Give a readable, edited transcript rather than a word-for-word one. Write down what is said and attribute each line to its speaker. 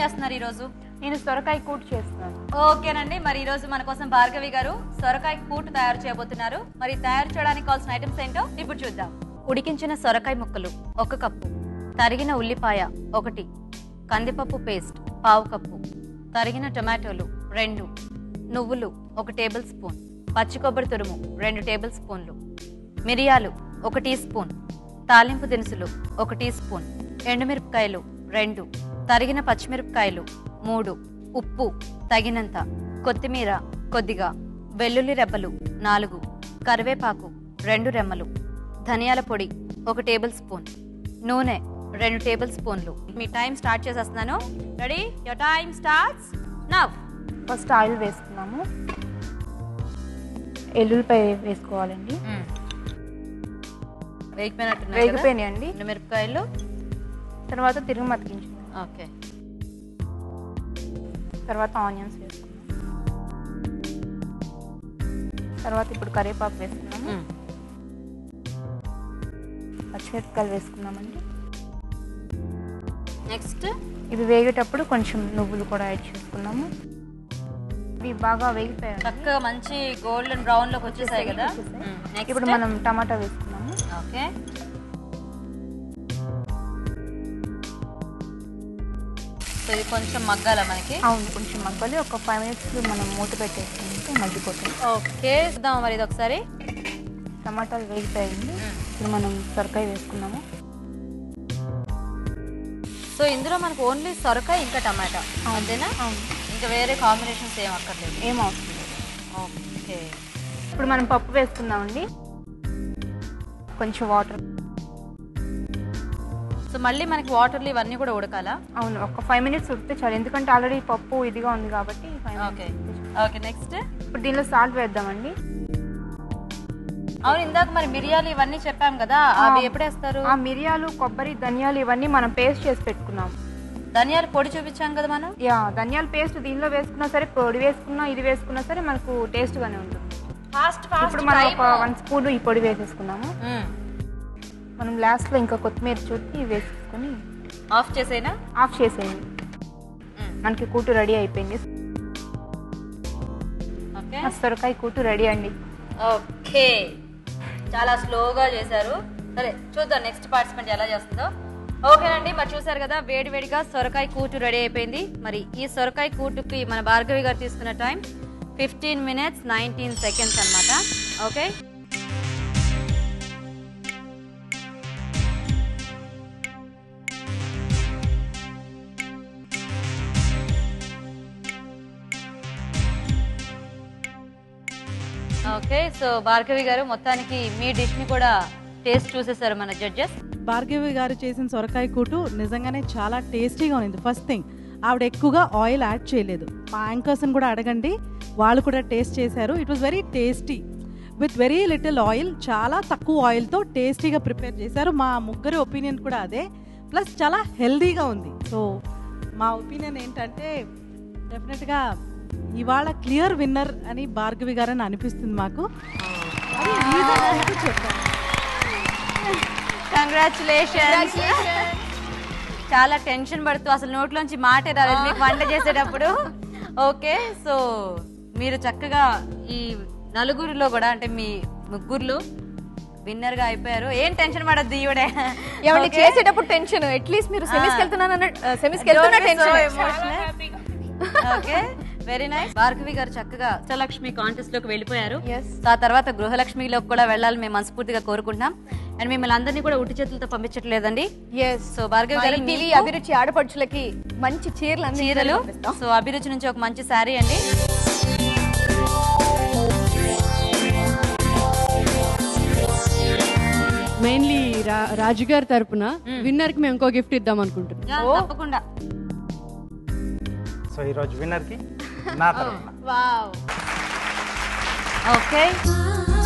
Speaker 1: చేస్తున్నారు ఈ రోజు?
Speaker 2: నేను సొరకాయ కూటు చేస్తున్నాను.
Speaker 1: ఓకేనండి, మరి ఈ రోజు మన కోసం భార్గవి గారు సొరకాయ కూటు తయారు చేయబోతున్నారు. మరి తయారు చేయడానికి కావాల్సిన ఐటమ్స్ ఏంటో ఇప్పుడు చూద్దాం. ఉడికించిన సొరకాయ ముక్కలు 1 కప్పు, తరిగిన ఉల్లిపాయ 1, కందిపప్పు పేస్ట్ 1/2 కప్పు, తరిగిన టొమాటోలు 2, నువ్వులు 1 టేబుల్ స్పూన్, పచ్చి కొబ్బరి తురుము 2 టేబుల్ స్పూన్లు, మిరియాలు 1 టీ స్పూన్, తాలింపు దినుసులు 1 టీ స్పూన్, ఎండుమిరపకాయలు 2, తరిగిన పచ్చిమిరపకాయలు 3, ఉప్పు తగినంత, కొత్తిమీర కొద్దిగా, వెల్లుల్లి రెబ్బలు 4, కరివేపాకు 2 రెమ్మలు, ధనియాల పొడి 1 టేబుల్ స్పూన్, నూనె 2 టేబుల్ స్పూన్లు. మీ టైం స్టార్ట్ చేసేస్తున్నాను. Ready? Your time starts now.
Speaker 2: First oil వేసుకున్నాము. ఎల్లుల్లిపాయ వేసుకోవాలండి. వేగిపోయినాయండి
Speaker 1: మిరపకాయలు.
Speaker 2: తర్వాత తిరుగు మతికించుకున్నాం.
Speaker 1: ఓకే,
Speaker 2: తర్వాత ఆనియన్స్ వేసుకున్నాం. తర్వాత ఇప్పుడు కరివేపాకు వేసుకున్నాము. పచ్చిమిరపకాయలు వేసుకున్నామండి.
Speaker 1: నెక్స్ట్
Speaker 2: ఇవి వేగేటప్పుడు కొంచెం నువ్వులు కూడా యాడ్ చేసుకున్నాము. ఇవి బాగా వేగిపోయాయి,
Speaker 1: చక్కగా మంచి గోల్డెన్ బ్రౌన్ లోకి వచ్చేసాయి కదా.
Speaker 2: ఇప్పుడు మనం టమాటా వేసుకున్నాము.
Speaker 1: ఓకే, సో ఇది కొంచెం మగ్గాల మనకి.
Speaker 2: అవును, కొంచెం మగ్గాలి. ఒక 5 minutes మనం మూత పెట్టేసుకుంటే మగ్గిపోతుంది.
Speaker 1: ఓకే, చూద్దాం మరి ఇది ఒకసారి.
Speaker 2: టమాటాలు వేగిపోయాయండి. ఇప్పుడు మనం సొరకాయ వేసుకున్నాము.
Speaker 1: సో ఇందులో మనకు ఓన్లీ సొరకాయ ఇంకా టమాటా అంతేనా? ఇంకా వేరే కాంబినేషన్స్ ఏం అక్కర్లేదు,
Speaker 2: ఏం అవసరం లేదు.
Speaker 1: ఓకే,
Speaker 2: ఇప్పుడు మనం పప్పు వేసుకుందామండి. కొంచెం వాటర్.
Speaker 1: సో మళ్ళీ మనకి వాటర్లు ఇవన్నీ కూడా ఉడకాలా?
Speaker 2: అవును, ఒక 5 minutes ఉడితే చాలు. ఎందుకంటే ఆల్రెడీ పప్పు ఇదిగా ఉంది కాబట్టి.
Speaker 1: ఓకే ఓకే, నెక్స్ట్
Speaker 2: ఇప్పుడు దీనిలో సాల్ట్ వేద్దామండి.
Speaker 1: అవును, ఇందాక మరి మిరియాలు ఇవన్నీ చెప్పాం కదా, అవి ఎప్పుడు వేస్తారు?
Speaker 2: ఆ మిరియాలు, కొబ్బరి, ధనియాలు ఇవన్నీ మనం పేస్ట్ చేసి పెట్టుకున్నాం.
Speaker 1: ధనియాల పొడి చూపించాం కదా మనం.
Speaker 2: ధనియాల పేస్ట్ దీనిలో వేసుకున్నా సరే, పొడి వేసుకున్నా, ఇది వేసుకున్నా సరే మనకు టేస్ట్ గానే ఉంటుంది. ఇప్పుడు మనం ఒక 1 స్పూన్ ఈ పొడి వేసేసుకున్నాము. మనం లాస్ట్ లో ఇంకా కొత్తిమీర చుట్టి వేసేసుకుని
Speaker 1: ఆఫ్ చేసేనా?
Speaker 2: ఆఫ్ చేసేయండి. మనకి కూటు రెడీ అయిపోయింది. సొరకాయ కూటు రెడీ అండి.
Speaker 1: ఓకే, చాలా స్లోగా చేశారు. సరే చూద్దాం నెక్స్ట్ పార్టిసిపెంట్ ఎలా చేస్తుందో. ఓకేనండి, మరి చూసారు కదా వేడివేడిగా సొరకాయ కూటు రెడీ అయిపోయింది. మరి ఈ సొరకాయ కూటుకి మన భార్గవి గారు తీసుకున్న టైం 15 minutes 19 seconds అన్నమాట. Okay, okay. So Bhargavi garu మొత్తానికి మీ డిష్ ని కూడా టేస్ట్ చూసేసారు మన జడ్జెస్.
Speaker 3: భార్గవి గారు చేసిన సొరకాయ కూటు నిజంగానే చాలా టేస్టీగా ఉంది. ఫస్ట్ థింగ్, ఆవిడ ఎక్కువగా ఆయిల్ యాడ్ చేయలేదు. మా యాంకర్స్ని కూడా అడగండి, వాళ్ళు కూడా టేస్ట్ చేశారు. It was very tasty with very little oil. చాలా తక్కువ ఆయిల్తో టేస్టీగా ప్రిపేర్ చేశారు. మా ముగ్గురి ఒపీనియన్ కూడా అదే. ప్లస్ చాలా హెల్దీగా ఉంది. సో మా ఒపీనియన్ ఏంటంటే డెఫినెట్గా ఇవాళ క్లియర్ విన్నర్ అని భార్గవి గారు అని అనిపిస్తుంది మాకు. చెప్పాను.
Speaker 1: కంగ్రాచులేషన్స్. చాలా టెన్షన్ పడుతూ అసలు నోట్లోంచి మాటే రాలేదు మీకు వంట చేసేటప్పుడు. ఓకే, సో మీరు చక్కగా ఈ నలుగురిలో కూడా అంటే మీ ముగ్గురులో విన్నర్ గా అయిపోయారు. ఏం టెన్షన్ పడద్దు, ఈవిడే
Speaker 4: చేసేటప్పుడు టెన్షన్. అట్లీస్ట్ మీరు సెమీస్కి వెళ్తున్నా tension.
Speaker 1: Okay, very nice. Bhargavi garu చక్కగా అష్టలక్ష్మి కాంటెస్ట్ లోకి వెళ్ళిపోయారు. ఆ తర్వాత గృహలక్ష్మిలోకి కూడా వెళ్ళాలి మేము మనస్ఫూర్తిగా కోరుకుంటున్నాం. అండ్ మిమ్మల్ని అందరినీ కూడా ఉట్టి చేతులతో పంపించట్లేదండి. సో భార్గవి గారు
Speaker 4: అభిరుచి ఆడపడుచులకి మంచి చీరలు.
Speaker 1: సో అభిరుచి నుంచి ఒక మంచి శారీ అండి.
Speaker 5: మెయిన్లీ రాజు గారి తరపున విన్నర్ కి మేము ఇంకో గిఫ్ట్ ఇద్దాం అనుకుంటున్నాం.
Speaker 1: తప్పకుండా.
Speaker 6: సో ఈ రోజు విన్నర్ కి నా తరపున
Speaker 1: ఓకే.